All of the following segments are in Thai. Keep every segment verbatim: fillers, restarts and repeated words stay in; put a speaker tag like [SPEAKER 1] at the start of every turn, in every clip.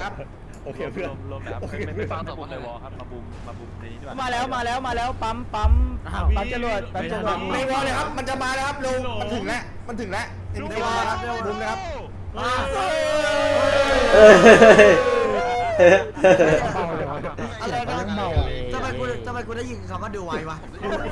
[SPEAKER 1] ครับโอเคเพื่อนรวมแล้วไม่ไม่ฟังสองคนเลยวอครับมาบูมมาบูมในนี้ด้วยมาแล้วมาแล้วมาแล้วปั๊มปั๊มปั๊มจรวดปั๊มจรวดไม่วอเลยครับมันจะมาแล้วครับลุงมันถึงแล้วมันถึงแล้วเอ็นดีมาครับบูมนะครับ
[SPEAKER 2] อะไรนะทำไมกูทำไมกูได้ยินคำว่าดูไววะ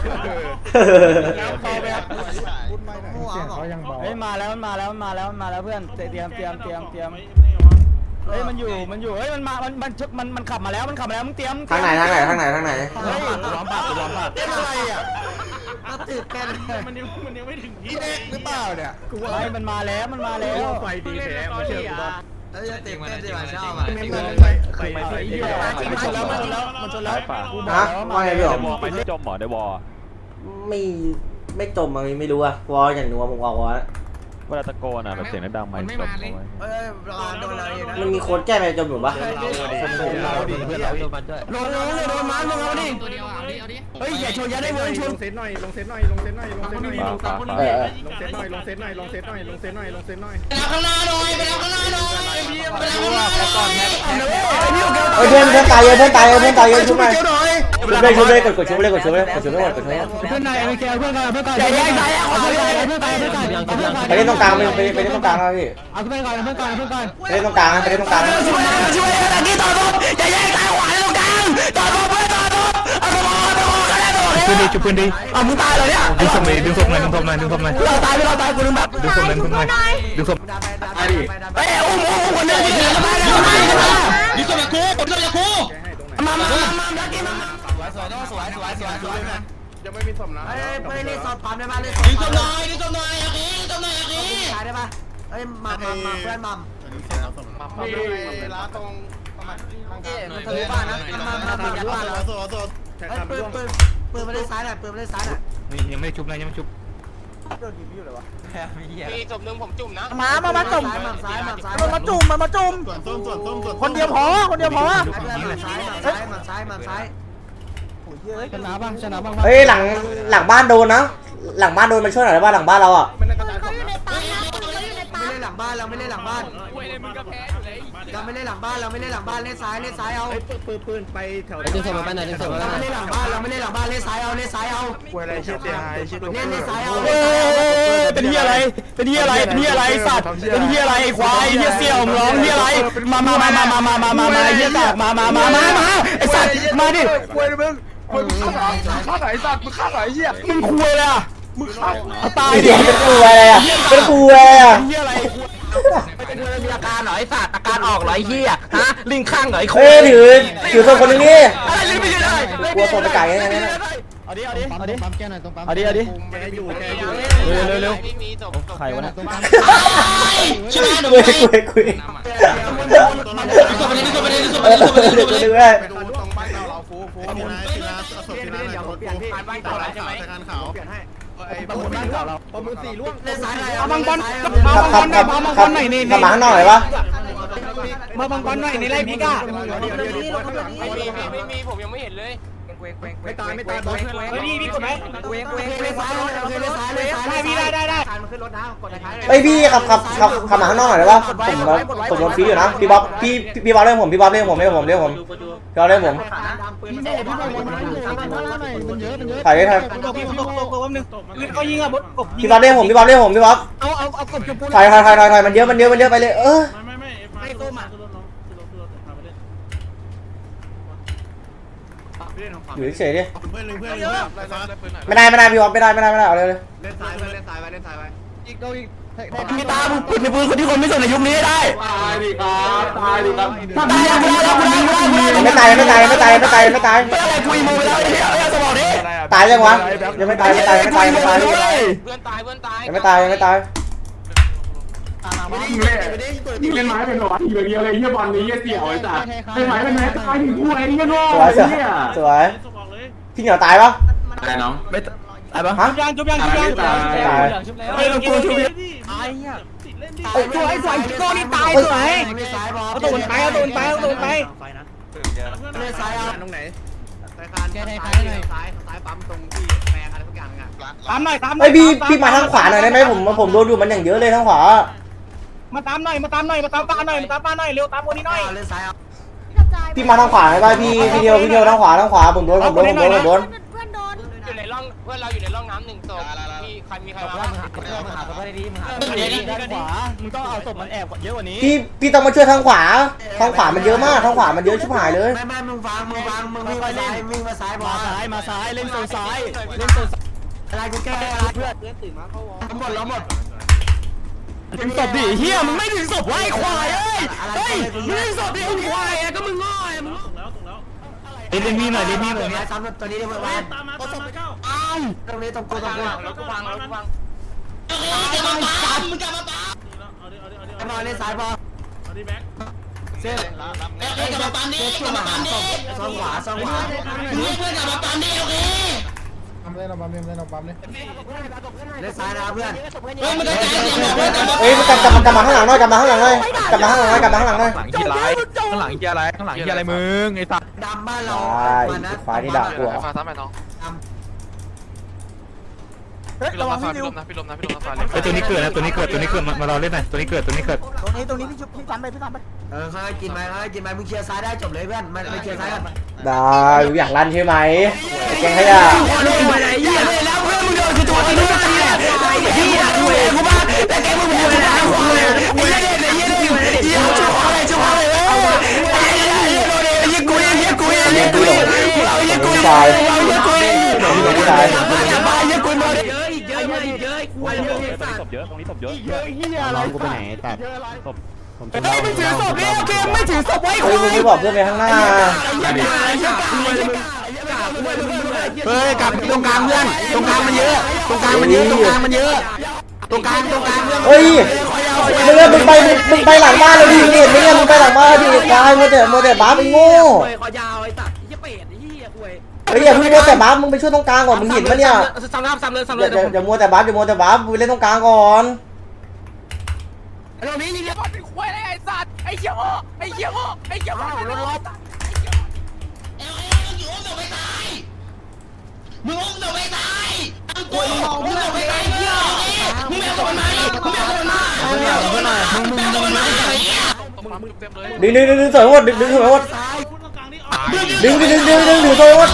[SPEAKER 3] เฮ้ยมาแล้วมาแล้วมาแล้วมาแล้วเพื่อนเตรียมเตรียมเตรียมเตรียมเฮ้ยมันอยู่มันอยู่เฮ้ยมันมามันมันมันมันขับมาแล้วมันขับมาแล้วมึงเตรียม
[SPEAKER 4] ทางไหนทางไหนทางไหนทางไหน
[SPEAKER 3] เฮ้ยล้อมปากล้อมปาก
[SPEAKER 2] เป็นอะไรอ่ะก็ตื่นเต้น
[SPEAKER 1] มันยังมันยังไม่ถึงที่
[SPEAKER 2] พี่เด็กหรือเปล่าเนี่ย
[SPEAKER 3] กูว่ามันมาแล้วมันมาแล้ว
[SPEAKER 1] ไฟดีแท้มาเชื่อกูบ้าง
[SPEAKER 2] เอ้ยตื่นเต้นดีกว่าชอบอ่ะ
[SPEAKER 1] ไม่ไม่คือไม่ไม่ที่
[SPEAKER 3] มันชนแล้วมันชนแล้วมันชนแล้ว
[SPEAKER 4] ฮะว่าไงพี่หรอ
[SPEAKER 1] วอไปที่จมหมอได้วอ
[SPEAKER 4] ไม่ไม่จมอะไรไม่รู้อะวออย่างนัวผมวอวอ
[SPEAKER 1] เวลาตะโกนอ่ะแบบเสียงดังไม่จมเอาไว้
[SPEAKER 2] เอ้ยรอโดนอะไรนะ
[SPEAKER 4] มันมีโค้ดแก้ไปจมอยู่ปะ
[SPEAKER 3] เราดิเพื่อนเราโดนมันด้วยโดนเลยโดนมันมึงเอาดิตัวเดียวเอาดิเอาดิเฮ้ยอย่าชนอย่าได้เว้ยชน
[SPEAKER 5] ลงเซตหน่อยลงเซตหน่อยลงเซตหน่อยลงเซตหน่อยลงเซตหน่อย
[SPEAKER 4] เออ
[SPEAKER 5] ลงเซตหน่อยลงเซตหน่อยลงเซตหน่อยลงเซตหน่อยลงเซตหน่อย
[SPEAKER 2] ไปแล้วข้างหน้าหน่อยไปแล้วข้างหน้าหน่อยไปแล้วข้างหน้า
[SPEAKER 3] ก่อนแฮกแฮก
[SPEAKER 4] เฮ้ยเพื่อนเพื่อนตายเยอะเพื่อนตายเยอะเพื่อนตายเยอะชุบหน่อยชุบเลยชุบเลยกดกดชุบเลยกดชุบเลยกดชุบเลยกดชุบเลย
[SPEAKER 3] เพื่อนนายเอ็มเคเพื่อนกันเพื่อนกันอย่าแยกสายเอาเพื่อนกันเพื่อนกันเพื่อนกันเพื่อนกัน
[SPEAKER 4] ไปเล่นตรงกลางไปไปไปเล่นตรงกลางนะพี่
[SPEAKER 3] เอาเพื่อนกันเพื่อนกันเพื่อนกัน
[SPEAKER 4] ไปเล่นตรงกลางไปเล่นตรงกลาง
[SPEAKER 3] ช่วยช่วยตะกี้ต่อปุ๊บอย่าแยกซ้ายขวาตรงกลางต่อปุ๊บเพื่อนต่อปุ๊บเอาตัวตัวกันแล้วตัว
[SPEAKER 5] ปืนดีจุปืนดี
[SPEAKER 3] เอามึงตายเลยเนี่ย
[SPEAKER 5] ดึงศพเลยดึงศพหน่อยดึงศพหน่อยดึงศพหน่อย
[SPEAKER 3] เราตายไม่เราตายกูลืมแบบ
[SPEAKER 5] ดึงศพหน่อยดึงศพหน่อยดึงศพ
[SPEAKER 2] ไปดิ
[SPEAKER 3] เอ้ยอุ้มอุ้มคนเดียวที่เหลือมาแล้วมาแล้วดิสมากูดิสมากูมามามามาลักกี้มาสวยสวยสวยสวยสวย
[SPEAKER 5] ยังไม่มีศพนะ
[SPEAKER 2] เอ้ยไปเล่นสอบปั๊มได้ป่ะเล่นสอบปั๊มหน่อยดิสหน่อยอาคีดิสหน่อยอาคีขายได้ป่ะเอ้ยมามามาเพื่อนมัม
[SPEAKER 5] นี่ร้านตรงประมาณ
[SPEAKER 2] เอ้ยมันทะลุบ้านนะมามามายัดบ้านเราเอ้ยปืนปืนปืนมาเล่นซ้ายหน่อยปืนมาเล่นซ้ายหน่อย
[SPEAKER 5] นี่ยังไม่ชุบนะยังไม่ชุบ
[SPEAKER 6] มีศพหนึ่งผมจุ่มนะ
[SPEAKER 3] มามามาจุ่ม
[SPEAKER 2] ซ้ายมัมซ้าย
[SPEAKER 3] มันมาจุ่มมันมาจุ่มคนเดียวพอคนเดียวพอ
[SPEAKER 2] เพื่อนมัมซ้ายมัมซ้ายมัมซ้ายมัมซ้าย
[SPEAKER 3] ชนะบ้างชนะบ้าง
[SPEAKER 4] เฮ้ยหลังหลังบ้านโดนนะหลังบ้านโดนมาช่วยหน่อยได้ป่ะหลังบ้านเราอะ
[SPEAKER 5] ไม่ได้กระจายศพนะ
[SPEAKER 2] ไม่เล่นหลังบ้านเราไม่เล่นหลังบ้าน
[SPEAKER 6] เว้ยเลยมึงก็แพ้อยู่เลย
[SPEAKER 2] เราไม่เล่นหลังบ้านเราไม่เล่นหลังบ้านเล่นซ้ายเล่นซ้ายเอา
[SPEAKER 5] ปืนปืนไปแถว
[SPEAKER 3] ดึงศพมาไหนดึงศพมา
[SPEAKER 2] เราไม่เล่นหลังบ้านเราไม่เล่นหลังบ้านเล่นซ้ายเอาเล่นซ้ายเอา
[SPEAKER 5] ป่วยอะไรเชี่ยเตียหายเชี่ยตัว
[SPEAKER 2] เล่นเล่นซ้ายเอา
[SPEAKER 3] เอ้ยเป็นเฮียอะไร เป็นเฮียอะไร เป็นเฮียอะไรสัตว์ เป็นเฮียอะไรควายเฮียเสี่ยวร้องเฮียอะไร มามามามามามามามาเฮียกากมามามามามาไอสัตว์มาดิ
[SPEAKER 5] ป่วยมึงป่วยมึงฆ่าไหนฆ่าไหนสัตว์มึงฆ่าไหนเหี้ย
[SPEAKER 3] มึงคุยเลยอ่ะ
[SPEAKER 5] มึงฆ่า
[SPEAKER 3] เอาตาย
[SPEAKER 4] เดี๋ยวเป็นกูอะไรอะเป็นกูอะไรอะ
[SPEAKER 3] เฮียอะไรมีอาการเหรอไอสัตว์อาการออกเหรอไอเฮียฮะลิงข้างเหรอไอโค
[SPEAKER 4] เฮ้ยถือถือศพคนนึงนี่
[SPEAKER 3] อะไรลิงไม่ได้
[SPEAKER 4] กลัวศพไปไก่ไงเนี่ย
[SPEAKER 3] เอาดิเอาดิเอาดิ
[SPEAKER 5] ปั๊มแก้หน่อยตรงปั๊ม
[SPEAKER 3] เอาดิเอาดิ
[SPEAKER 5] แกอยู่แกอยู่
[SPEAKER 3] เร็วเร็วเร็ว
[SPEAKER 6] ไม่มีศพศพ
[SPEAKER 3] ใครวะเนี่ย
[SPEAKER 4] คุยคุยคุยเออเดี๋ยวดูด้วย
[SPEAKER 5] ไปดูตรงบ้านเราเราฟูฟูทีนะทีนะศพทีนะหน่อยฟูฟูบ้านเก่าใช่ไหมใส่การขาวไอ้ประมูลบ้านเก่าเราประมูลสี่ล่วง
[SPEAKER 2] เล่นซ้ายหน่อย
[SPEAKER 3] เอาบังบอล
[SPEAKER 4] ขับขับขับขับขับมาข้างนอกหน่อยวะ
[SPEAKER 3] มาบังบอลหน่อยนี่ไรพี่ก้า
[SPEAKER 6] ไม่มีไม่มีผมยังไม่เห็นเลย
[SPEAKER 5] ไม่ตายไม่ตายบอส
[SPEAKER 3] เฮ้ยพี่พี่กดไหม
[SPEAKER 2] เวงเวงเล่นซ้ายเลยเล่นซ้ายเล่นซ้าย
[SPEAKER 3] ได้พี่ได้ได้ได้
[SPEAKER 2] มันขึ้นรถนะกดท้าย
[SPEAKER 4] เฮ้ยพี่ขับขับขับขับมาข้างนอกหน่อยได้ปะผมผมโดนฟรีอยู่นะพี่บ๊อบพี่พี่บ๊อบเรียกผมพี่บ๊อบเรียกผมเรียกผมเรียกผมพี่บ๊อบเรียกผม
[SPEAKER 3] พี่เน่พี่บอกมันมันเยอะมันเยอะ
[SPEAKER 4] ถ่ายได้ถ่าย
[SPEAKER 3] พี่บอกพี่บอกบอกว่านึงเขายิงอ่ะบดกบ
[SPEAKER 4] พี่บ๊อบเรียกผมพี่บ๊อบเรียกผมพี่บ๊อบ
[SPEAKER 3] เอาเอาเอากบชมพู
[SPEAKER 4] ถ่ายถ่ายถ่ายถ่ายมันเยอะมันเยอะมันเยอะไปเลยเออ
[SPEAKER 1] ไม่ไม่ไม่ไม่ต้มอ่ะคือรถน้องคือรถคือรถพาไปเล่น
[SPEAKER 4] อยู่เฉยดิ
[SPEAKER 5] เพื่อนหนึ่งเพื่อนหนึ่งเพื่อน
[SPEAKER 4] ไม่ได้ไม่ได้พี่บ๊อบไม่ได้ไม่ได้ไม่ได้เอาเลยเลย
[SPEAKER 5] เล่นซ้ายไปเล่นซ้ายไปเล่นซ้ายไป
[SPEAKER 3] อีกโดอีกพี่ตามึงปิดในปืนคนที่คนไม่สนในยุคนี้ได้
[SPEAKER 5] ตายดิครับตายดิครับ
[SPEAKER 3] ได้แล้วกูได้แล้วกูได้กูได้กูได้
[SPEAKER 4] ไม่ตายไม่ตายไม่ตายไม่ตายไม่ตาย
[SPEAKER 3] ไม่อะไรคุยมือแล้วไอ้เหี้ยไอ้สมองนี้
[SPEAKER 4] ตายยังวะยังไม่ตายไม่ตายไม่ตายไม่ตาย
[SPEAKER 6] เพื่อนตายเพื่อนตาย
[SPEAKER 4] ยังไม่ตายยังไม่ตาย
[SPEAKER 7] นี่เล่นไม้เป็นหรอทีแบบนี้อะไรเยี่ยบอลนี้เยี่ยเสี่ยวไอ้สัสเล่นไม้เป็นไม้ตายถึงกูไอ้นี่ก็โง่
[SPEAKER 4] สวย
[SPEAKER 7] ไอ้
[SPEAKER 4] สวย
[SPEAKER 7] เนี่ย
[SPEAKER 4] สวยพี่เหนียวตายปะ
[SPEAKER 7] ตายน้อง
[SPEAKER 3] ไม่ตายปะ
[SPEAKER 4] ฮะ
[SPEAKER 3] ยังจุบยังจุบยัง
[SPEAKER 4] ตาย
[SPEAKER 3] เฮ้ยเรากลัวชุบยัง
[SPEAKER 2] ไอ้เหี้ย
[SPEAKER 3] ไอ้สวยสวยโก้นี่ตายสวย
[SPEAKER 2] เล่นซ้ายบอล
[SPEAKER 3] เอาตูนไปเอาตูนไปเอาตูนไป
[SPEAKER 2] เล่นซ้ายเอา
[SPEAKER 5] ตรงไหน
[SPEAKER 2] สายคานซ้ายซ้ายซ้ายปั๊มตรงที่แปลงอะไรทุกอย่างอ่ะ
[SPEAKER 3] ตามหน่อยตาม
[SPEAKER 4] เฮ้ยพี่พี่มาทางขวาหน่อยได้ไหมผมผมโดนอยู่มันอย่างเยอะเลยทางขวา
[SPEAKER 1] มาตามหน่อยมาตามหน่อยมาตามป้าหน่อยมาตามป้าหน่อยเร็วตามคนนี้หน่อย
[SPEAKER 2] เล่นซ้ายเอา
[SPEAKER 4] พี่มาทางขวาได้ป่ะพี่พี่เดียวพี่เดียวทางขวาทางขวาผมโดนผมโดนผมโดนผมโดน
[SPEAKER 8] เพื่อนโดน
[SPEAKER 6] อยู่ในร่องเพื่อนเราอยู่ในร่องน้ำหนึ่งศพพี่ใครมีใครมา
[SPEAKER 2] มึงหาเพื่อนมึงหาเพื่อนดีมึงหา
[SPEAKER 3] ด้านขวามึงต้องเอาศพมันแอบเยอะกว่านี้
[SPEAKER 4] พี่พี่ต้องมาช่วยทางขวาทางขวามันเยอะมากทางขวามันเยอะชิบหายเลย
[SPEAKER 2] ไม่ไม่มึงฟังมึงฟังมึงวิ่งมาซ้ายวิ่งมาซ้ายบอ
[SPEAKER 3] มา
[SPEAKER 2] ล
[SPEAKER 3] ซ้ายมาซ้ายเล่นโซนซ้ายเล่นโซน
[SPEAKER 2] อะไรกูแก้อะไรเพื่อนหมดแล้วหมด
[SPEAKER 3] ถึงศพดิเฮียมึงไม่ถึงศพไว้ควายเอ้ยเฮ้ยมึงถึงศพดิมึงควายอ่ะก็มึงง่อยมึงเล่นมีหน่อยเล่นมีหน่อย
[SPEAKER 2] เนี่ยซ้ำตัวนี้ได้เมื่อวานตรงนี้ตรงกูตรงกู
[SPEAKER 6] รถกูพังรถกูพัง
[SPEAKER 2] บอลเล่นซ้ายบอลเส้นเอ้ยกลับมาปั๊มดิกลับมาปั๊มดิซ้อนขวาซ้อนขวาเพื่อนกลับมาปั๊มดิโอเค
[SPEAKER 5] ทำเล่นเอาปั๊มเล่นเล่นเอาปั๊มเล่น
[SPEAKER 2] เล่นซ้ายนะเพื่อน
[SPEAKER 6] เฮ้ยมันก็ใจเย็นเพื่อน
[SPEAKER 4] เอ้ยกลับกลับกลับมาข้างหลังหน่อยกลับมาข้างหลังหน่อยกลับมาข้างหลังหน่อยกลับมาข้างหลังหน่อย
[SPEAKER 3] หลังเฮียไรข้างหลังเฮียไรข้างหลังเฮียอะไรมึงไอ้สัตว์
[SPEAKER 2] ดำบ้านเรา
[SPEAKER 4] ใช่ขวาที่ด่ากู
[SPEAKER 6] ฟ้าซ้ำไปน้อง
[SPEAKER 1] เฮ้ย
[SPEAKER 6] พี่ล
[SPEAKER 1] ระ
[SPEAKER 6] ม
[SPEAKER 1] วั
[SPEAKER 6] นะ
[SPEAKER 1] ง
[SPEAKER 6] ฟ้า
[SPEAKER 1] พี่
[SPEAKER 6] พี่
[SPEAKER 1] ริ
[SPEAKER 6] ล
[SPEAKER 1] ว
[SPEAKER 6] มนะพี่ลมนะพี่ลมนะฟ้าเล็ก
[SPEAKER 3] ไอ้ตัวนี้เกิดนะตัวนี้เกิดตัวนี้เกิดมารอเล่นหน่อยตัวนี้เกิดตัวนี้เกิด
[SPEAKER 1] ตรงนี้ตรงนี้พี่ชุบพี่ซ้ำไปพี่ซ้ำไป
[SPEAKER 2] เออเขาให้กินไหมเขาให้กินไหมมึงเคลียร์ซ้ายได้จบเลยเพื่อนไม่เคลียร์ซ้ายกัน
[SPEAKER 4] ได้อยากลั่นใช่ไหมแกงขยะ
[SPEAKER 3] เล่นมาไหนเฮียเลยแล้วเพื่อนมึงโดนคือตัวที่มึงตีแหละไอ้เฮียกูเองกูบ้าแต่แกมึงพูดนะกูเลยไอ้เฮียเนี่ยไอ้เฮียเนี่ยเฮียชูอะไรชูอะไรเอ้ยไอ้เฮียเฮียโดนไอ้เฮียกูเองเฮียกูเองเฮียกูเองเราเฮียกูเองเราเฮียกูเองจะมาเฮียกูมาเยอะอีกเยอะเยอะอีกเยอะกูเยอะศพเยอะตรงนี้ศพเยอะเยอะเฮียอะไรกูไปไหนแต่ศพผมเฮ้ยไม่ถือศพนี่โอเคไม่ถือศพไว้คุ
[SPEAKER 4] เฮ้ย
[SPEAKER 3] ย
[SPEAKER 4] มึงไม่บอกเพื่อนไปข้างหน้า
[SPEAKER 3] เฮ้ยกลับตรงกลางเพื่อนตรงกลางมันเยอะตรงกลางมันเยอะตรงกลางมันเยอะตรงกลางตรงกลางเพื่อน
[SPEAKER 4] เฮ้ยมึงมึงไปมึงไปหลังบ้านเลยดิเห็นไหมเนี่ยมึงไปหลังบ้านดิควายมัวแต่มัวแต่บ้าไปโง่
[SPEAKER 2] คอยาวไอ้สัตว์ยี่เป็ดไอ้เหี้ยคุย
[SPEAKER 4] เฮ้ยอย่าเพิ่งมัวแต่บ้ามึงไปช่วยตรงกลางก่อนมึงเห็นปะเนี่ย
[SPEAKER 2] ซ้ำน้ำซ้ำเลยซ้ำ
[SPEAKER 4] อ
[SPEAKER 2] เลย
[SPEAKER 4] ย่าอย่ามัวแต่บ้าอย่ามัวแต่บ้าไปเล่นตรงกลางก่อน
[SPEAKER 2] เรานี้ยิง
[SPEAKER 6] ไอ้บอลเป็นควายไอ้สัตว์ไอ้เหี้ยโง่ไอ้เหี้ยโง่ไอ้เหี้ยโง่รถรถ
[SPEAKER 2] มึงอุ้มตัวไปตายกูมึงตัวไปตายเหี้ยมึงไม่เอาตัวมามึงไม่เอาตัวมามึงไม่เอาตัวมามึงมึงมึงมึง
[SPEAKER 4] ดึงดึงดึงดึงสวยหมดดึงดึงสวยหมดดึงดึงดึงดึงดึงดึงสวยหมด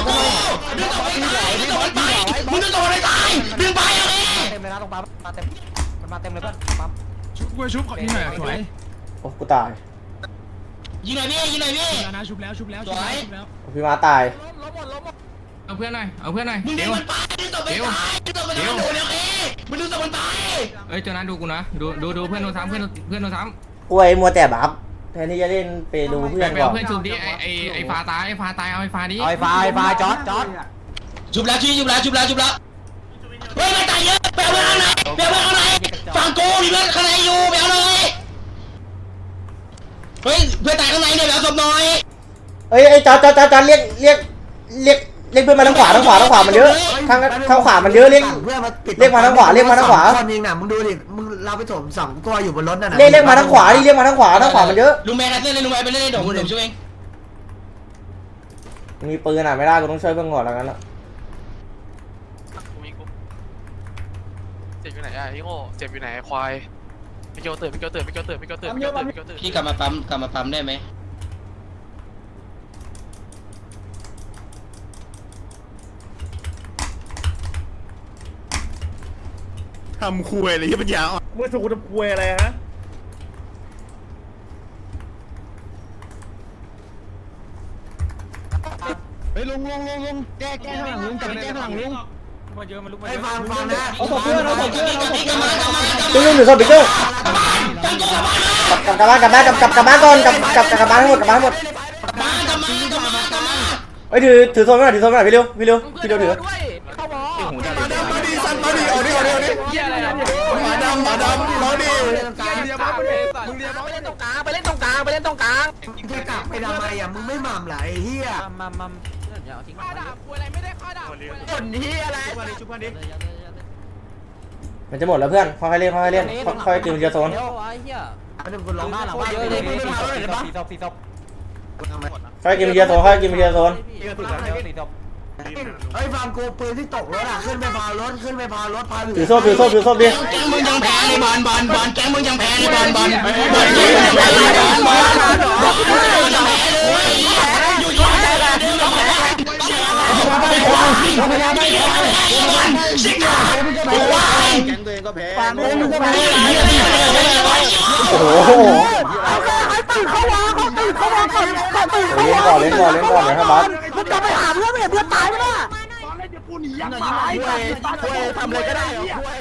[SPEAKER 2] มึงจะตัวไปตายดึงไปเอาเอง
[SPEAKER 1] เต็มเลยนะตรงปั๊มมาเต็มมันมาเต็มเลยเพื่อนปั๊ม
[SPEAKER 3] ชุบกูชุบขอยิงหน่อยสวย
[SPEAKER 4] โอ้กูตาย
[SPEAKER 2] ยิงหน่อยพี่ยิงหน่อยพี่
[SPEAKER 3] นะชุบแล้วชุบแล้วชุบแล้วชุบแล้ว
[SPEAKER 4] พี่มาตาย
[SPEAKER 3] เอาเพื่อนหน่อยเอาเพื่อนหน่อย
[SPEAKER 2] มึงดึงมันไปดึงตัวไปตายดึงตัวไปตายโดนเอาเองมึงดึงตัวมันไป
[SPEAKER 3] เอ้ยเจ้านั้นดูกูนะดูดูดูเพื่อนโดนซ้ำเพื่อนเพื่อนโดนซ้
[SPEAKER 4] ป่วยมัวแต่บัฟแทนที่จะเล่นไปดู
[SPEAKER 3] ำ
[SPEAKER 4] เพื่อน
[SPEAKER 3] ไป
[SPEAKER 4] ก่อ
[SPEAKER 3] เอา
[SPEAKER 4] น
[SPEAKER 3] เพื่อนชุบดิไอไอไอฟ้าตายไอฟ้าตายเอาไอฟ้าดิ
[SPEAKER 1] เอาไอ้ฟ้าไอ้ฟ้าจอดจอด
[SPEAKER 2] จุบแล้วชี้จุบแล้วจุบแล้วจุบแล้วเฮ้ยมันตายเยอะไปเอาเพื่อนข้างในไปเอาเพื่อนข้างในฝั่งกูมีเพื่อนข้างในอยู่ไปเอาหน่อยเฮ้ยเพื่อนตายข้างในเนี่ยไปเอาศพหน่อย
[SPEAKER 4] เอ้ยไอ้จอดจอดจอดจอดเรียกเรียกเรียกเรียกเพื่อนมาทางขวาทางขวาทางขวามันเยอะทางทางขวามันเยอะเรียก
[SPEAKER 2] เพื่อนมาปิด
[SPEAKER 4] เรียกมาทางขวาเรียกมาทางขวา
[SPEAKER 2] คนยิงน่ะมึงดูดิมึงเราไปถมสองตัวอยู่บนรถน่ะ
[SPEAKER 4] เรียกเรียกมาทางขวาดิเรียกมาทางขวาทางขวามันเยอะ
[SPEAKER 2] ลุงแม่เล่นเลยลุงแม่ไปเล่นเดี๋ยวผมช่วยเอง
[SPEAKER 4] มีปืนอ่ะไม่ได้กูต้องช่วยเพื่อนก่อนแล้วกันละ
[SPEAKER 6] เจ็บอยู่ไหนอ่ะพี่โง่เจ็บอยู่ไหนควายพี่เกียวตื่นพี่เกียวตื่นพี่เกียวตื่นพี่เกียวตื่นพี่เกียวตื่นพี่เกียวตื่น
[SPEAKER 2] พี่กลับมาปั๊มกลับมาปั๊มได้ไหม
[SPEAKER 5] ทำคุยอะไรที่ปัญญาอ่อน
[SPEAKER 1] มึงถูกทำควยอะไรฮะ
[SPEAKER 3] เฮ้ยลุงลุงลุงลุงแก้แก้ข้างหลังลุงกลับไปแก้ข้างหลังลุง
[SPEAKER 2] ให้ฟังฟังนะ
[SPEAKER 1] เอาศพเพื่อนเอาศพเพื่อนเอาศพเพื่อน
[SPEAKER 4] ดึงดึงหนึ่งศพดึงดึงกลับกลับบ้านกลับบ้านกลับกลับกลับบ้านก่อนกลับกลับกลับบ้านให้หมดกลับบ้านให้หมดเฮ้ยถือถือโซนไว้หน่อยถือโซนไว้หน่อยพี่เร็วพี่เร็วพี่เร็วถือ
[SPEAKER 5] มาดำมาดีสันมาดีเอาดิเอาดิเอาดิ
[SPEAKER 6] เหี้ยอะไรอ่ะ
[SPEAKER 5] มาดำมาดำมาดี
[SPEAKER 6] มึงเรียบร้อยเลยมึงเรียบร้อย
[SPEAKER 2] ไปเล่นตรงกลางไปเล่นตรงกลางไปเล่นตรงกลางแค่กลับไปทำไมอ่ะมึงไม่หม่ำไหลเฮีย
[SPEAKER 1] มามาอย่าเอาทิ้ง
[SPEAKER 6] ข้าด่าควายอะไรไม่ได้ข้าด่าควายอะไร
[SPEAKER 2] คนเฮียอะไร
[SPEAKER 1] ชุบเพื่อนดิ
[SPEAKER 4] มันจะหมดแล้วเพื่อนค่อยๆเล่นค่อยๆเล่นค่อยๆกินทีละโซน
[SPEAKER 1] เดี๋ยวไอ้เหี้ย
[SPEAKER 2] ไม่ต้องคุณลอง
[SPEAKER 1] บ้านหลังบ้านเยอะเลยพี่สี่ศพสี่ศพสี่ศพ
[SPEAKER 4] ค่อยๆกินทีละโซนค่อยๆกินทีละโซน
[SPEAKER 1] พี่ก็ถูกแล้วสี่ศพ
[SPEAKER 3] เฮ้ยฟังกูปืนที่ตกรถอ่ะขึ้นไปพารถขึ้นไปพารถพา
[SPEAKER 4] ถือโซ่ถือโซ่ถือโซ่ดิ
[SPEAKER 2] แกงมึงยังแพ้ในบอลบอลบอลแกงมึงยังแพ้ในบอลบอลบอลแกงมึงยังแพ้ในบอลบอลบอลยังแพ้เลยอยู่อยู่แพ้เลยยังแพ้พยายามไม่แพ้ชิคกี้พายบอกว่า
[SPEAKER 5] แก๊งตัวเองก็แพ้
[SPEAKER 3] ฟังมึงก็แพ้
[SPEAKER 4] โอ้โห
[SPEAKER 3] เอาแค่ให้ตื่นเขาวางเขาตื่นเขาวางก่อนเขาตื่นเขา
[SPEAKER 4] เล่น
[SPEAKER 3] วาง
[SPEAKER 4] ก่อนเล่นก่อนเล่นก่อนนะครับบัส
[SPEAKER 3] มึงจะไปหาเพื่อนไม่เห็นเพื่อนตายไหมล่ะ
[SPEAKER 1] ทำอะไรก็ได้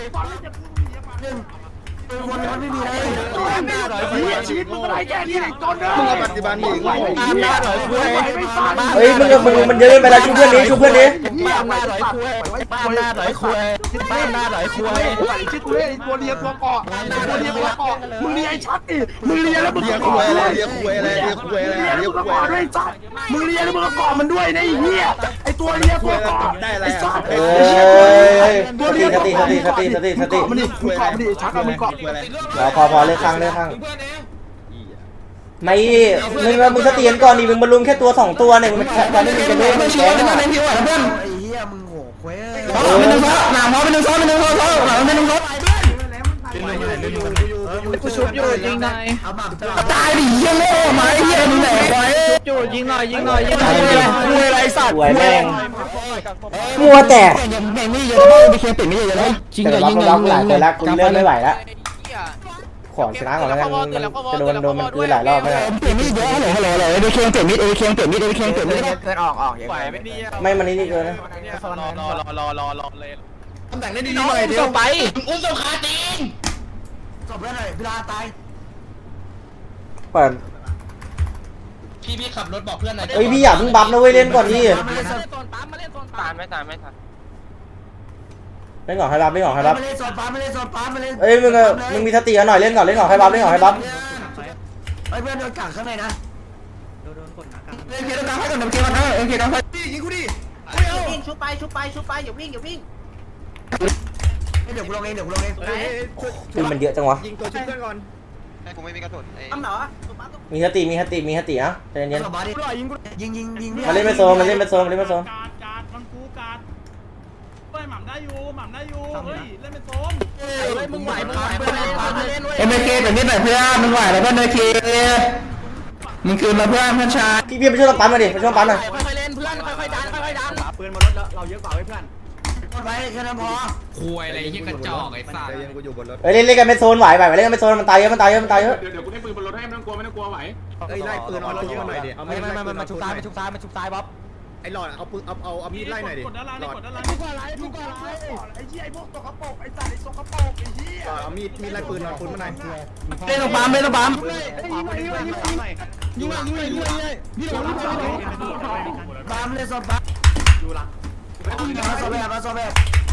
[SPEAKER 3] วนมันไม่มีอะไร
[SPEAKER 5] ชีวิตมึงอะไรแค่นี้ไอ้จนเนอะมึงปฏิบัติหนีกู
[SPEAKER 1] ตามหน้าหน่อยคุย
[SPEAKER 4] เฮ้ยมึงมึงมันเยอะไปแล้วชูเพื่อนนี้ชูเพื่อนนี้
[SPEAKER 1] ตามหน้าหน่อยคุยตามหน้าหน่อยคุยตามหน้าหน่อยคุย
[SPEAKER 5] ชื่อกูเล่นตัวเลียตัวเกาะตัวเลียตัวเกาะมึงเลียไอ้ชัดดิมึงเลียแล้วมึงเลียคุยอะไรเลียคุยอะไรเลียคุยอะไรเลียคุยอะไรด้วยชัดมึงเลียแล้วมึงก็เกาะมันด้วยนะไอ้เหี้ยไอ้ตัวเลียตัวเกาะไอ้ชัด
[SPEAKER 4] เอ้ยสติสติสติสติสติสติ
[SPEAKER 5] มันดิมึงเกาะมันดิชัดมึงเกาะ
[SPEAKER 4] พอพอพอเลือกข้างเลือกข้างไม่มึงมึงสติกันก่อนดิมึงบรรลุแค่ตัวสองตัวเนี่ยมึงตอนนี้มึงจะเล่นมึงแกงอ่ะ
[SPEAKER 3] ไอ้เหี้ยมึงโง่เว้ยเป็นหนึ่งซ้อหนามพอเป็นหนึ่งซ้อเป็นหนึ่งซ้อหนามเป็นหนึ่งซ้อ
[SPEAKER 1] กูชุบอยู่ยิงหน่อย
[SPEAKER 3] ตายดิเหี้ยโง่มาไอ้เหี้ยมึงไหนไว้
[SPEAKER 1] ชุบอยู่ยิงหน่อยยิงหน่อยยิงหน่อยคุยอะไรสัตว์
[SPEAKER 4] สวยแม่งมัวแต่
[SPEAKER 3] แม่งไม่เยอะไม่เคยเป็นไม่เยอะเลย
[SPEAKER 4] จริงเหรอยิงเลยหลายคนแล้วกูเริ่มไม่ไหวแล้วขอชนะก่อนแล้วกันมันจะโดนโดนมันคืนหลายรอบไหมล่ะ
[SPEAKER 3] เปลี่ยนไม่เยอะเลยฮัลโหลเลยเอเคียงเปลี่ยนมิดเอเคียงเปลี่ยนมิดเอเคียงเปลี่ยนมิด
[SPEAKER 1] เกินออกออก
[SPEAKER 6] ไหวไม่ดี
[SPEAKER 4] ไม่มันนี่นี่เกินนะ
[SPEAKER 6] รอรอรอรอรอเลย
[SPEAKER 5] ตำแหน่งได้ดีหน่อยเดียว
[SPEAKER 1] ไป
[SPEAKER 2] อุ้มสงคาตีน
[SPEAKER 3] จบแล้วหน่อยเวลาตาย
[SPEAKER 4] เปิด
[SPEAKER 2] พี่พี่ขับรถบอกเพื่อนหน่อย
[SPEAKER 4] เอ้ยพี่อย่าเพิ่งบัฟนะเว้ยเล่นก่อนดิ
[SPEAKER 1] มาเล่นโซนปั๊มมาเล่นโซน
[SPEAKER 6] ตา
[SPEAKER 1] ปั๊
[SPEAKER 6] ม
[SPEAKER 1] ม
[SPEAKER 6] ไม่ตามไม่ทัน
[SPEAKER 4] เล่นก่อนให้บัฟเล่นก่อนให้บัฟ
[SPEAKER 3] มาเล่นโซนปั๊มมาเล่นโซนปั๊มมาเล่น
[SPEAKER 4] เอ้ยมึงมึงมีสติกันหน่อยเล่นก่อนเล่นก่อนให้บัฟเล่นก่อนให้บัฟ
[SPEAKER 3] ไอ้เพื่อนโดนกักข้างในนะเอ็มเคต้องการให้ก่อนเอ็มเคก่อนนะเอ็มเคต้องให้
[SPEAKER 5] ยิงกูดิ
[SPEAKER 2] วิ่งชุบไปชุบไปชุบไปอย่าวิ่งอย่าวิ่ง
[SPEAKER 3] เดี๋ยวกูลงเองเดี๋ยวกูลงเอง
[SPEAKER 4] ปืนมันเยอะจังวะ
[SPEAKER 5] ยิงตัวชุบเพื่อนก่อน
[SPEAKER 6] กูไม่มีกระสุน
[SPEAKER 2] ทำเหรอ
[SPEAKER 4] มีสติมีสติมีสตินะใจเย็น
[SPEAKER 3] สบายดิยิงยิงยิง
[SPEAKER 4] ๆมาเล่นไปโซนมาเล่นไปโซนมาเล่นไปโซน
[SPEAKER 8] การการมันกูการเฮ้ยหม่ำได้อยู่หม่ำได้อยู่เฮ้ยเล่นเป็นโซน
[SPEAKER 1] เฮ้ยมึงไหวมึงไหวมึงไหวปั๊มมาเล่นเว้ย
[SPEAKER 3] เอ็มเคแบบนี้หน่อยเพื่อนมึงไหวแล้วเพื่อนเอ็มเคมึงคืนมาเพื่อนเพื่อนชาย
[SPEAKER 4] พี่พี่ไปช่วยปั๊มมาดิไปช่วยปั๊มหน่อย
[SPEAKER 1] ค่อยๆเล่นเพื่อนค่อยๆดันค่อยๆดัน
[SPEAKER 5] ปืนมาลดเราเยอะกว่าไว้เพื่อน
[SPEAKER 3] ไว้แค่นั้นพอ
[SPEAKER 9] คุยอะไรที่กระจอกไอ้สัตว์
[SPEAKER 5] ยังกูอยู่บนรถ
[SPEAKER 4] เอ้ยเล่นเล่นกันเป็นโซนไหวไหวเล่นกันเป็นโซนมันตายเยอะมันตายเยอะมันตายเยอะ
[SPEAKER 7] เดี๋ยวเดี๋ยวกูได้ปืนบนรถให้ไม่ต้องกลัวไม่ต้องกลัวไหว
[SPEAKER 5] เอ้ยไล่ปืนเอาเราเยอะหน่อยดิเอา
[SPEAKER 1] ไม่ไม่ไม่มาชุบซ้ายมาชุบซ้ายมาชุบซ้ายบ๊อบ
[SPEAKER 5] ไอ้หลอดเอาปืนเอาเอาเอามีดไล่หน่อยดิ
[SPEAKER 8] กดด้านล่าง
[SPEAKER 5] หลอด
[SPEAKER 8] กดด้านล่าง
[SPEAKER 5] ทุกอะไรทุกอะไรไอ้เหี้ยไอ้พวกตกกระปกไอ้สัตว์ไอ้ตกกระปกไอ้เหี้ยเอามีดมีดไล่ปืนเอาปืนมาหน่อย
[SPEAKER 3] เล่นตรงปั๊มเล่นตรงปั๊ม
[SPEAKER 5] ยิงหน่อยยิงหน่อยยิงหน่อยยิงหน่อยยิงหน่อยยิงหน่อยยิงหน่อยยิงหน่อยยิงหน่อย
[SPEAKER 3] ปั๊มเล่นโซนปั๊มมาโซแบบมาโซแบบ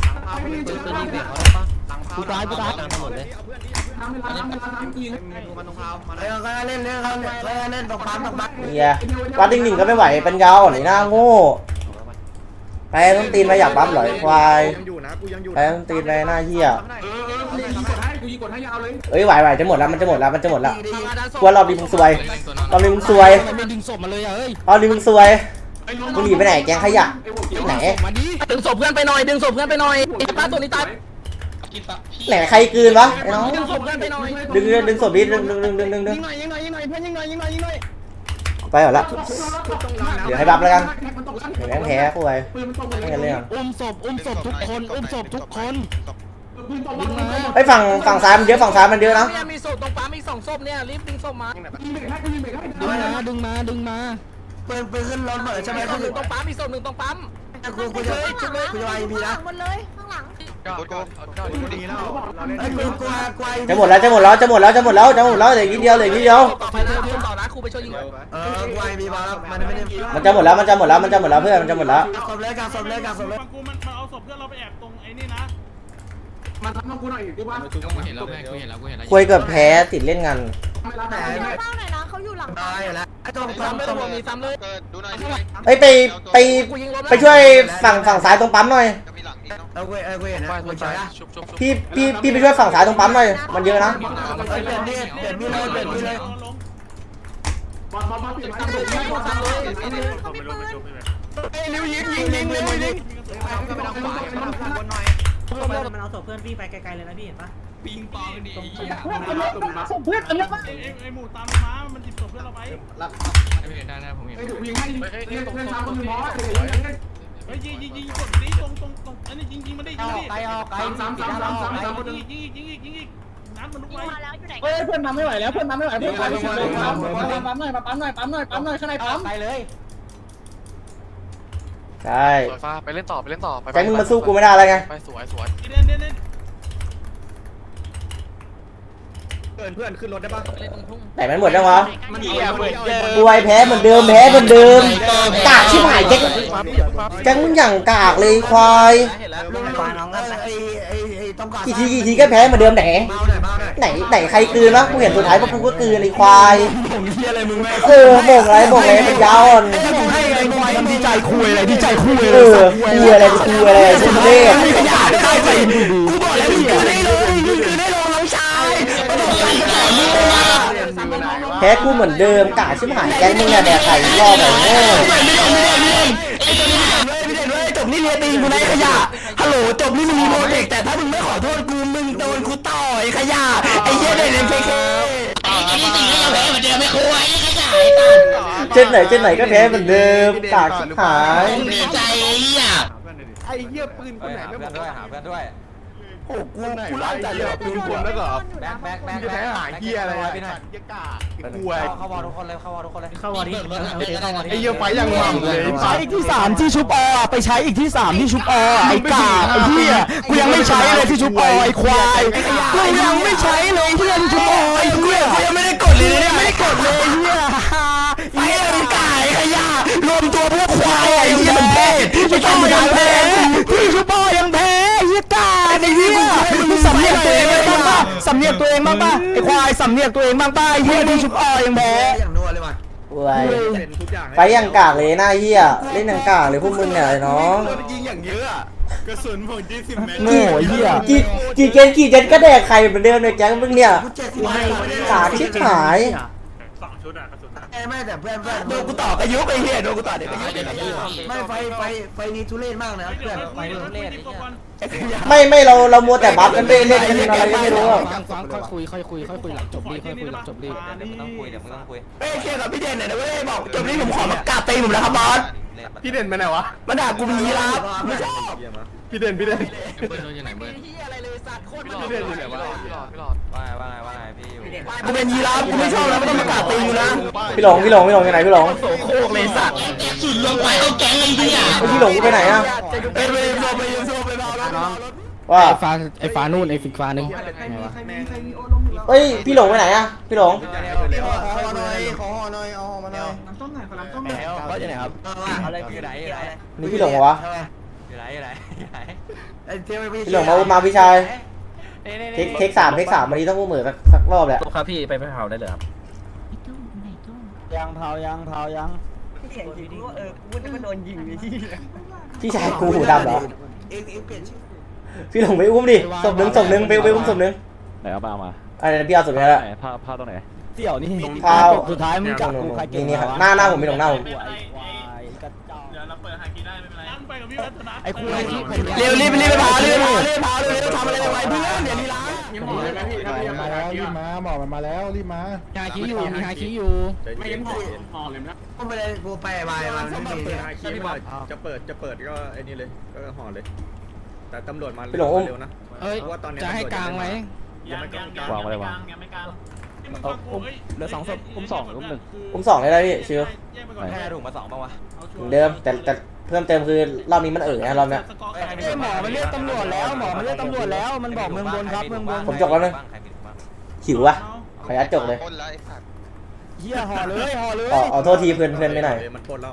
[SPEAKER 1] กูตายกูตาย
[SPEAKER 5] หมดเลยเอาเพื่อนดิเอาเพื่อนมันตรงเท้ามา
[SPEAKER 3] เล่นก็เล่นเล่นเขาเล่นเล่นตรงปั๊มตรงปั๊ม
[SPEAKER 4] เฮียวัดดิ่งๆก็ไม่ไหวเป็นยาวหน่อยหน้าโง่ไปต้องตีนไปอยากปั๊มหรอควาย
[SPEAKER 5] ยังอยู่นะกูยังอยู่
[SPEAKER 4] ไปต้องตีนไปหน้าเฮีย
[SPEAKER 7] เออเออกูยิงกดให้กูยิงกดให้ยาวเลย
[SPEAKER 4] เอ้ยไหวไหวจะหมดแล้วมันจะหมดแล้วมันจะหมดแล้วกลัวรอบนี้มึงซวยรอบนี้มึงซวย
[SPEAKER 1] ไม่ดึงศพมาเลยอ่ะเฮ้ย
[SPEAKER 4] รอบนี้มึงซวยมึงหนีไปไหนแกงขยะไหน
[SPEAKER 1] มาดิดึงศพเพื่อนไปหน่อยดึงศพเพื่อนไปหน่อยไอ้ป้าตัวนี้ตาย
[SPEAKER 4] ไหนใครกลืนวะไอ้น้อง
[SPEAKER 1] ดึงศพเพื่อนไปหน่อย
[SPEAKER 4] ดึงดึงศพดิดึงดึงดึงดึงดึงดึง
[SPEAKER 1] ยิงหน่อยยิงหน่อยยิงหน่อยเพื่อนยิงหน่อยยิงหน่อยยิงหน่อย
[SPEAKER 4] ไปหมดละเดี๋ยวให้บัฟแล้วกันเดี๋ยวแม่งแพ้กูไป
[SPEAKER 7] ปืนมันตกหมด
[SPEAKER 4] ไม่
[SPEAKER 7] เลย
[SPEAKER 4] กันเรื่อง
[SPEAKER 1] อุ้มศพอุ้มศพทุกคนอุ้มศพทุกคน
[SPEAKER 7] ปืนตกหมดเลย
[SPEAKER 4] ไอ้ฝั่งฝั่งซ้ายมันเยอะฝั่งซ้ายมันเยอะนะ
[SPEAKER 1] เนี่ยมีศพตรงปั๊มอีกสองศพเนี่ยรีบดึงศพมา
[SPEAKER 7] ยิงเบรกให้กูยิงเบรกให้
[SPEAKER 1] ดึงมาดึงมาดึงมา
[SPEAKER 3] ปืนปืนขึ้นรถหมดใช่ไหม
[SPEAKER 1] ศ
[SPEAKER 3] กู
[SPEAKER 1] พหนึ่งตรงปั๊มอีกศพหนึ่งตรงปั๊ม
[SPEAKER 3] กูกูจะกูจะไอพีนะ
[SPEAKER 10] หมดเลยข้างหลัง
[SPEAKER 6] ก็ก็ก็ดีแล้ว
[SPEAKER 3] ไอ้กูกูกูไอ
[SPEAKER 4] จะหมดแล้วจะหมดแล้วจะหมดแล้วจะหมดแล้วจะหมดแล้วเหลืออีกนิดเดียวเหลืออีกนิดเดียว
[SPEAKER 1] ต่อไปเพื่อนต่อนะครูไปช่วยยิง
[SPEAKER 3] เออกูไอพีมาแล้วมันไม่ได้
[SPEAKER 4] มันจะหมดแล้วมันจะหมดแล้วมันจะหมดแล้วเพื่อนมันจะหมดแล้ว
[SPEAKER 3] กักศพเลยกักศพเลยกักศพเลย
[SPEAKER 8] ฟังกูมันมันเอาศพเพื่อนเราไปแอบตรงไอ้นี่นะ
[SPEAKER 7] มันทำมากูหน่อยกูว่า
[SPEAKER 9] กูเห็นแล้วกูเห็นแล้วกูเห็นแล้ว
[SPEAKER 4] คุยเกือบแพ้ติดเล่นงาน
[SPEAKER 7] ไม่รับแต่
[SPEAKER 10] เฝ้าหน่อยนะเขาอยู่หลัง
[SPEAKER 3] ตายแล้วไอ้ตรง
[SPEAKER 1] ซ้ำ
[SPEAKER 3] ปั๊ม
[SPEAKER 1] เลย
[SPEAKER 3] ตรง
[SPEAKER 1] รวมมีซ้ำเลย
[SPEAKER 6] เกิดดูหน่อย
[SPEAKER 4] เอ้ยไปไปไปช่วยฝั่งฝั่งซ้ายตรงปั๊มหน่อย
[SPEAKER 6] จะมีหลังนี้เนาะ
[SPEAKER 3] เอากูเออกูเห็นนะกูใช่อะ
[SPEAKER 6] ชุบชุบชุบ
[SPEAKER 4] พี่พี่พี่ไปช่วยฝั่งซ้ายตรงปั๊มหน่อยมันเยอะนะ
[SPEAKER 3] เปลี่ยนมีดเปลี่ยนมีดเลยเปลี่ยนมีดเลย
[SPEAKER 7] บบอลบอลบอลเปลี่ยนไม้เลย
[SPEAKER 10] เขาไม่ปืน
[SPEAKER 3] ไอ้นิ้วยิงยิงยิงเลยยิง
[SPEAKER 2] ก็ไปทางขวาไปทางขวาบนหน่อย
[SPEAKER 1] มันเอาศพเพื่อนพี่ไปไกลๆเลยนะพี่เห็นปะ
[SPEAKER 9] ปิงปองดิไอ้เหี้ย
[SPEAKER 8] เพื่อนอันนี้ไอ้ไอ้หมูตามมามันจิบศพเพื่อนเราไป
[SPEAKER 9] ไม่เห็นได้นะผมเห็น
[SPEAKER 7] ไอ้ถูกยิงให้ยิงเล่นเล่นซ้ำคนหนึ่งบอสไอ้
[SPEAKER 8] เฮ้ยยิงยิงยิงกดนี้ตรงตรงตรงอันนี้ยิงยิงมันได้ยิงดิ
[SPEAKER 1] ไกลออกไกล
[SPEAKER 7] ซ้ำซ้ำซ้ำซ้ำซ้ำคนหนึ่ง
[SPEAKER 8] ยิงยิงยิงยิงยิงนัดมันลุก
[SPEAKER 10] ยิ
[SPEAKER 8] ไป
[SPEAKER 10] งมาแล้วอยู่ไหน
[SPEAKER 5] เฮ้ยเพื่อนมาไม่ไหวแล้วเพื่อนมาไม่ไหวเพื่อนมาไม่ไหวเลยปั๊มปั๊มหน่อยปั๊มหน่อยปั๊มหน่อยปั๊มหน่อยข้างในปั๊ม
[SPEAKER 1] ไปเลย
[SPEAKER 4] ใช่
[SPEAKER 6] สวยฟ้าไปเล่นต่อไปเล่นต่อไป
[SPEAKER 4] แก๊งมึงมาสู้กูไม่ได้แล้วไง
[SPEAKER 6] ไปสวยสวย
[SPEAKER 8] เด่นเด่นเด่น
[SPEAKER 2] เพื่อนเพื่อนขึ้นรถได้ปะ
[SPEAKER 4] ไหนมันหมดยังวะ
[SPEAKER 2] มันเหี้ยเหมือนเดิม
[SPEAKER 4] กูไอแพ้เหมือนเดิมแพ้เหมือนเดิมกากชิบหายแก๊งแก๊งมึงอย่างกากเลยควาย
[SPEAKER 2] เห็นแล้ว
[SPEAKER 3] ลูกไฟน้องไอ้ไอ้ไอ้ต้องการ
[SPEAKER 4] กี่ทีกี่ทีก็แพ้เหมือนเดิมไหน
[SPEAKER 2] เมาหน่อยเมาหน่อย
[SPEAKER 4] ไหนไหนใครกลืนวะกูเห็นสุดท้ายพวกกูก็กลืนไอ้ควาย
[SPEAKER 3] ผมเฮียอะไรมึงแม่
[SPEAKER 4] เออโบกอะไรโบกอะไรมันยาวอ่อน
[SPEAKER 3] ถ้ากูให้ไอ้ควายมันดีใจคุยอะไรดีใจคุย
[SPEAKER 4] เอ
[SPEAKER 3] เลย
[SPEAKER 4] อคุยอะไรคุยอะไรชุดเล่
[SPEAKER 3] ไม่ขยะได้ไปกูบอกแล้วมึงคือได้เลยมึงคือได้ลงน้องชายประสบการณ์ต่อมึง
[SPEAKER 4] แพ้กูเหมือนเดิมกากชิบหายแก๊งมึงเนี่ยแดกไข่รอบแบบโง่
[SPEAKER 3] ไม่เด่นไม่เด่นไม่เด่นไอ้ตัวนี้ไม่เด่นไม่เด่นเว้ยจบนี่เรียนตีกูในขยะฮัลโหลจบนี่มึงมีโปรเจกต์แต่ถ้ามึงไม่ขอโทษกูมึงโดนกูต่อยขยะไอ้เหี้ยเด่นเอ็มเคเคไอ้นี่ตีก็ยังแพ้เหมือนเดิมไม่คุยขยะ
[SPEAKER 4] เช่นไหนเช่นไหนก็แพ้เหมือนเดิมกากชิบหาย
[SPEAKER 3] ดีใจไอ้เหี้ย
[SPEAKER 2] ไอ้เหี้ยปืนคนไหนไม่บอกด้วยหาเพื่อนด้วย
[SPEAKER 3] โอ้กูกูไล่ใจเลยปืนคนแล้วเหรอ
[SPEAKER 2] แบ็คแบ็คแบ็คจะแพ้หาเหี้ยอะไรไปหน่อยเหี้ยกากูไอ้เข้าวอลทุกคนเลยเข้าวอลทุกคนเลย
[SPEAKER 1] เข้าวอร์ดี้เข้าวอร์ดี้
[SPEAKER 2] ไอ้เหี้ยไฟยังมั่มเลย
[SPEAKER 3] ใช้อีกที่สามที่ชุบอไปใช้อีกที่สามที่ชุบอไอ้กาไอ้เหี้ยกูยังไม่ใช้เลยที่ชุบอไอ้ควายกูยังไม่ใช้เลยที่ที่ชุบอไอ้เหี้ยกูยังไม่ได้กดเลยเนี่ยไม่ได้กดเลยเหี้ยไอ้เหี้ยไอ้กาไอ้ขยะรวมตัวพวกควายไอ้เหี้ยมันแพ้ที่ชุบอยังแพ้ที่ชุบอยังแพ้เหี้ยกาไอ้เหี้ยมึงสำเนียกตัวเองบ้างป่ะสำเนียกตัวเองบ้างป่ะไอ้ควายสำเนียกตัวเองบ้างป่ะไอ้เหี้ยที่ชุบอยังแพ้
[SPEAKER 2] อย่างนัวเลยว่ะ
[SPEAKER 4] ป่วย
[SPEAKER 2] เป็นทุกอย่าง
[SPEAKER 4] ไปอย่างกากเลยหน้าเหี้ยเล่นอย่างกากเลยพวกมึงเนี่ยไอ้น้อง
[SPEAKER 2] ยิงอย่างเยอะกระสุนผมยี่สิบเมตร
[SPEAKER 3] โง่ไอ้เหี้ย
[SPEAKER 4] กี่กี่เกนกี่เจนก็แดกใครเหมือนเดิมเลยแก๊งมึงเนี่ยกากชิบหาย
[SPEAKER 2] ไม่แต่เพื่อนเพื่อน
[SPEAKER 3] โดนกูต่ออายุไอ้เหี้ยโดนกูต่อเด็กอายุ
[SPEAKER 2] ไม่ไฟไฟไฟนี้ทุเรศมากนะเพื่อนไฟทุเรศ
[SPEAKER 4] ไม่ไม่เราเรามัวแต่บัฟกันไปเล่นกันอะไรก็ไม่รู้อะ
[SPEAKER 8] ฟังค่อยคุยค่อยคุยค่อยคุยหลังจบดีค่อยคุยหลังจบดี
[SPEAKER 2] เดี๋ยวมึงต้องคุยเดี๋ยวมึงต้องคุย
[SPEAKER 3] เอ้ยเคลียร์กับพี่เด่นหน่อยนะเว้ยบอกจบนี้ผมขอมากราบตีผมนะครับบอส
[SPEAKER 2] พี่เด่นไปไหนวะ
[SPEAKER 3] มันด่ากูเป็นยีราฟไม่ชอบ
[SPEAKER 2] พี่เด่นพี่เด่น
[SPEAKER 9] เบิร์ดโดนยังไงเบิร์ด
[SPEAKER 6] พี่หลอดพี่หลอดพี่หลอดพี่หลอดพี่หลอด
[SPEAKER 2] ว่าไงว่าไงว่าไงพี่อยู่
[SPEAKER 3] กูเป็นยีราฟกูไม่ชอบนะไม่ต้องมากราบตีกูนะ
[SPEAKER 4] พี่หลงพี่หลงพี่หลงอยู่ไหนพี่หลง
[SPEAKER 3] โสโครกเลยสัตว์สุดลงไปเอาแก๊งไอ้เหี้ย
[SPEAKER 4] เฮ้ยพี่หลงกูไปไหนอะ
[SPEAKER 3] ไปไปโซไปโซไปเบาน้อง
[SPEAKER 4] ว่า
[SPEAKER 8] ไอ้ฟ้าไอ้ฟ้านู่นไอ้ฟิกฟ้านึง
[SPEAKER 4] เฮ้ยพี่หลงไปไหนอะพี่หลง
[SPEAKER 2] ขอหน่อยขอหน่อยเอามาหน่อย
[SPEAKER 3] บอสอยู่ไหนครับ
[SPEAKER 2] อะไรอยู่ไหนอยู่ไหน
[SPEAKER 4] นี่พี่หลงเหรอวะ
[SPEAKER 2] อยู่ไหนอยู่ไหนอยู่ไหนไอ้เทว
[SPEAKER 4] พี่หลงมาอุ้มมาพี่ชายเทคเทคสามเทคสามวันนี้ต้องอุ้มเหมือนสักสักรอบแหละ
[SPEAKER 8] ครับพี่ไปไปเผาได้เลยครับ
[SPEAKER 1] ยังเผายังเผายัง
[SPEAKER 4] พี่ชายกูหูดำเหรอ
[SPEAKER 2] เอ็งเอ็งเปลี่ยนชื่อ
[SPEAKER 4] พี่หลงไปอุ้มดิศพหนึ่งศพหนึ่งไปไปอุ้มศพหนึ่ง
[SPEAKER 8] ไหนเอามาเอามา
[SPEAKER 4] อะไรนะพี่เอาศพนี้แล้ว
[SPEAKER 8] ไหนผ้าผ้าตรงไหน
[SPEAKER 1] เสี่ยวนี่
[SPEAKER 4] ข้าว
[SPEAKER 1] สุดท้ายมึงจับกูใครเก่ง
[SPEAKER 4] นี่ครับหน้าหน้าผมพี่หลงหน้าผม
[SPEAKER 8] เดี๋ยวเราเปิดหากีได้ไม่เป็นไรนั่งไปกับพี่วัฒนะ
[SPEAKER 1] ไอ้คุยที่
[SPEAKER 3] เร็วรีบรีบไปเผารีบไปเผารีบเผาเร็วทำอะไรไว้เพื่อนเดี๋ยวนี้ล้าง
[SPEAKER 7] มาแล้วรีบมาหมอมันมาแล้วรีบมา
[SPEAKER 8] หาคีอยู่มีหาคีอยู่
[SPEAKER 7] ไม่ยังห่อเลยนะ
[SPEAKER 2] กูไม่ได้กูไปไปมาไม่มี
[SPEAKER 5] จะเปิดจะเปิดก็ไอ้นี่เลยก็ห่อเลย แต่ตำรวจมา
[SPEAKER 4] พี่หลงอุ้ม
[SPEAKER 5] เร็วนะ
[SPEAKER 8] เอ้ยจะให้กลางไหม
[SPEAKER 5] ยังไม่กลาง
[SPEAKER 8] วางอะไรวางเหลือสองศพอุ้มสองอุ้มหนึ่ง
[SPEAKER 4] อุ้มสองเลยนะพี่ชิว
[SPEAKER 2] แค่ถุงมาสองป่าวะ
[SPEAKER 4] เหมือนเดิมแต่แต่เพิ่มเติมคือรอบนี้มันเอ๋อนะรอบเนี้ย
[SPEAKER 1] เอ้ยหมอมันเรียกตำรวจแล้วหมอมันเรียกตำรวจแล้วมันบอกเมืองบนครับเมืองบน
[SPEAKER 4] ผมจบแล้วนึงหิววะขอยัดจบเลย
[SPEAKER 1] เหี้ยห่อเลยห่อเลย
[SPEAKER 4] อ๋ออ๋อโทษทีเพื่อนเพื่อนไม่หน่อย
[SPEAKER 5] เลยมันปล้นแล้ว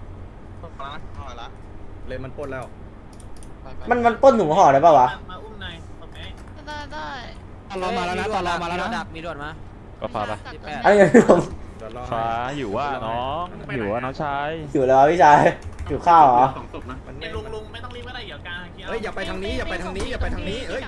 [SPEAKER 5] เลยมันปล้นแล้ว
[SPEAKER 4] มันมันปล้นถุงห่อได้ป่าวะ
[SPEAKER 8] มาอุ้มนายโอเค
[SPEAKER 10] ได้ได้
[SPEAKER 8] ตอนรอมาแล้วนะตอนรอมาแล้วนะ
[SPEAKER 2] มีด่วนมา
[SPEAKER 8] ก็ฟ้าปะ
[SPEAKER 4] อันนี้พี่หลง
[SPEAKER 5] เดี๋ยวรอ
[SPEAKER 8] ฟ้าหิวว่าน้องหิวว่าน้องชาย
[SPEAKER 4] หิวแล้วพี่ชายหิวข้าวเหรอ
[SPEAKER 5] มันไม่
[SPEAKER 8] ลุงลุงไม่ต้องรีบก็ได้เดี๋ยวกลาง
[SPEAKER 5] เฮ้ยอย่าไปทางนี้อย่าไปทางนี้อย่าไปทางนี้เฮ้ย